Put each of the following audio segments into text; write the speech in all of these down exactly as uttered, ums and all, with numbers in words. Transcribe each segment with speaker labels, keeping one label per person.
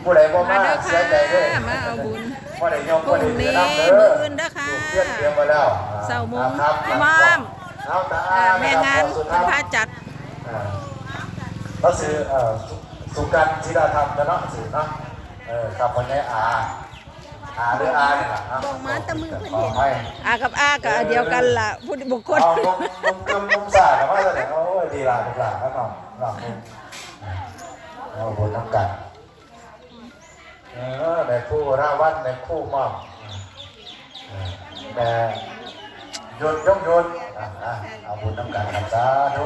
Speaker 1: ผู้ใดบ่
Speaker 2: มา
Speaker 1: มา
Speaker 2: เด้อ
Speaker 1: เสี
Speaker 2: ค่ะ
Speaker 1: ยใจเด้อ
Speaker 2: มาเอาบุญ
Speaker 1: ผู้ใดยก
Speaker 2: พ
Speaker 1: ผู้
Speaker 2: รุ่
Speaker 1: ใด
Speaker 2: ง
Speaker 1: เสีย
Speaker 2: นี้
Speaker 1: น้ำเด้อ
Speaker 2: มื้ออื่นเด้อค่ะ
Speaker 1: ลูกเทียนเตรียมไว้แล้ว
Speaker 2: เช้าโมง
Speaker 1: ครับ
Speaker 2: มอม
Speaker 1: เอาตา
Speaker 2: อ่าแม่งาน
Speaker 1: สุด
Speaker 2: เพิ่น
Speaker 1: ท้าย
Speaker 2: พาจัด
Speaker 1: อ่าก็คือเอ่อสุสุกันจิราธรรมนะเนาะสื่อเนาะเออกับคนนี้อาอาหรืออาเนี่ยแหละนะ
Speaker 3: บอกมาแต่มือเพิ่น
Speaker 1: ขอ
Speaker 3: เห็น
Speaker 1: ให้
Speaker 2: อากับอากับอันเดียวกันล่ะผู้บุคคล
Speaker 1: เอามุมมุมกึมมุมสาดแต่ว่าจะเนี่ยโอ้ยดีละดีละแล้วน้องน้องมุมเอาบนน้ำกันเออในคู่ราวันในคู่มอมแต่ยนยกยนอ่ะอ่ะเอาบุญน้ำกันครับสาธุ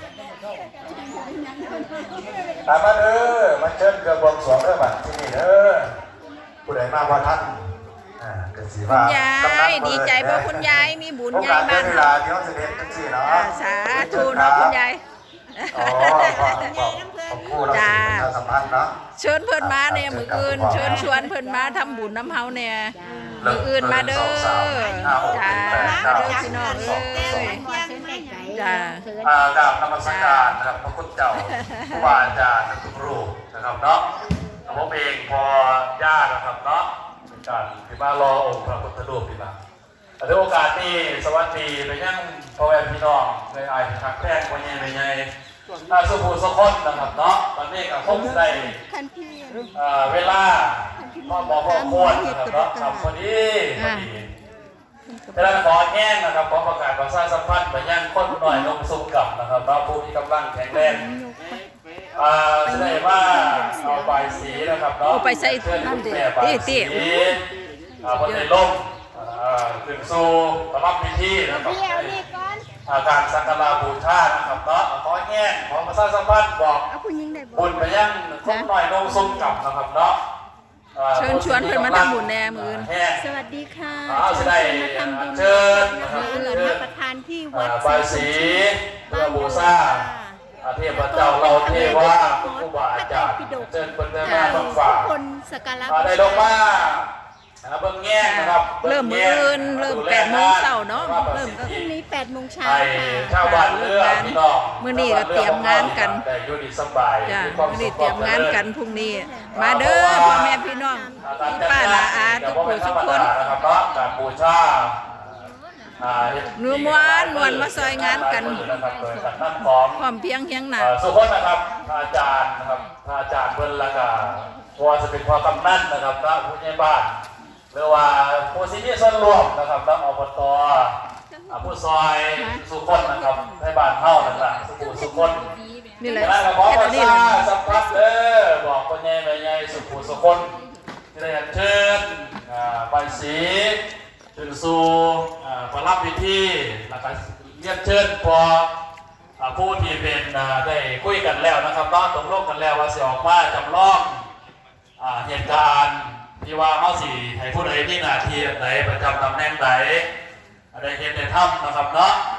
Speaker 1: ตามมาเด้อมาเชิญเกือบบวงสรวงเด้อบัดที่นี่เด้อผู้ใดมาว่าท่านอ่าเกิดสีว่า
Speaker 2: คุณยายดีใจเพราะคุณยายมีบุญยายบ้าน
Speaker 1: เว
Speaker 2: เฮา
Speaker 1: ลาที่เขาเสด็จจังซี่เนาะ
Speaker 2: อ่าสาธุเนาะคุณยาย
Speaker 1: อ๋อขอบคุณขอบคุณเราสิประชาสัมพันธ์เนาะ
Speaker 2: เชิญเพิ่นมาเนี่ยมื้ออื่นเชิญชวนเพิ่นมาทำบุญน้ำเฮาเนี่ยมื้ออื่นมาเด้อจ้ามาเด้อพี่น้องเอ้ยจ้า
Speaker 1: อ่ากราบนมัสการนะครับพระคุณเจ้าผู้บาอาจารย์ทุกรูปนะครับเนาะผมเองพอญาตินะครับเนาะเป็นการที่มารอองค์พระพุทธรูปที่มาในโอกาสนี้สวัสดีไปยังพ่อแม่พี่น้องในอายทักแพงวันนี้ในไงอาสุภูสุคนนะครับเนาะตอนนี้ก็คงได้
Speaker 3: คันพี่
Speaker 1: เวลาก็บอกว่าโคตรนะครับเนาะทำพอดีพอดีเวลาขอแห้งนะครับขอประกาศประชาสัมพันธ์ไปยังคนหน่อยลงสุกับนะครับเนาะผู้มีกำลังแข็งแรงอ่าแสดงว่าเอาใบสีนะครับเนาะ
Speaker 2: เอาไปใส่
Speaker 1: เพื่อน
Speaker 2: นั่นดิ
Speaker 1: แม่ใบ
Speaker 2: ติ
Speaker 1: สี
Speaker 2: ติ
Speaker 1: อ่าพอได้ลงอ่าถึงสู่สำหรับพิธีนะครับ
Speaker 3: พี่เอานี่ก่อน
Speaker 1: อาการสักการะบูชานะครับเนาะขอแห้งขอประชาสัมพันธ์บอก
Speaker 3: เอาคุณยิงได้บ่
Speaker 1: บุญไปยังคนหน่อยลงสุกับนะครับเนาะ
Speaker 2: เชิญชวนเพิ่นมาทำบุญแน่มื้ออื่น
Speaker 3: สวัสดีค่ะ
Speaker 1: อ้าวจะได้
Speaker 3: มาทำบุญ
Speaker 1: เชิญ
Speaker 3: นะ
Speaker 1: นะครั
Speaker 3: คะ
Speaker 1: บ
Speaker 3: เหลือ
Speaker 1: เชิ
Speaker 3: นั
Speaker 1: ญ
Speaker 3: บประทานที่วัด
Speaker 1: ใบสีเพื่อบูชาเทพเจ้าเราเทวาผู้บาอาจารย์เชิญเพิ่นได้มาบังฝ่า
Speaker 3: ทุกคนสักการะ
Speaker 1: ได้ลงมาเบิ่งแง่นะครับ
Speaker 2: เริ่มมื้ออื่นเริ่มแปดโมงเช้าเนาะเริ่ม
Speaker 3: พรุ่งนี้แปดโมงเช้า
Speaker 1: ไอ้
Speaker 3: ค่ะ
Speaker 1: ชาวบ้านเรือพี่น้อง
Speaker 2: มื้อนี้ก็เตรียมงานกัน
Speaker 1: ได้อยู่ดีสบาย
Speaker 2: จ้า
Speaker 1: มีความ
Speaker 2: มื้อ
Speaker 1: สุ
Speaker 2: นี้
Speaker 1: ข
Speaker 2: เตรียมงานกันพรุ่งนี้ มาเด้อพ่อแม่พี่น้องพี่ป้านาอาทุกผู้ทุกคน
Speaker 1: นะครับเนาะการบูชาอ่า
Speaker 2: หนูม้วนม่วนมาซอยงานกัน
Speaker 1: นะครับโดยการนั่งของ
Speaker 2: พร้อมเพรียงเฮียงหน้า
Speaker 1: เอ่อสุขคนนะครับพระอาจารย์นะครับพระอาจารย์เพิ่นละกาพอจะเป็นพอกำนันนะครับพระผู้ใหญ่บ้านหรือว่าผู้สิมีส่วนร่วมนะครับพระอบตอ่าผู้ซอยสุขคนนะครับให้บ้านเฮานั่นล่ะสุขุสุขคน
Speaker 2: นี่แหละ
Speaker 1: แล้วก็ขอ
Speaker 2: แค่
Speaker 1: ป
Speaker 2: ตั
Speaker 1: ระ
Speaker 2: วนี้
Speaker 1: ชา
Speaker 2: เลย
Speaker 1: สัมพันธ์เด้อบอกคนใหญ่แม่ใหญ่สุขุสุขคนที่ได้อัญเชิญอ่าใบสีถึงสู่อ่าประลับพิธีแล้วก็เรียนเชิญพอ ผู้ที่เป็นได้คุยกันแล้วนะครับน้องตกลงกันแล้วว่าสิออกมาจำลองเหตุการณ์ที่ว่าเขาสิให้ผู้ใดที่หน้าที่ไหนประจำตำแหน่งไหนได้เห็นได้ทำนะครับเนาะ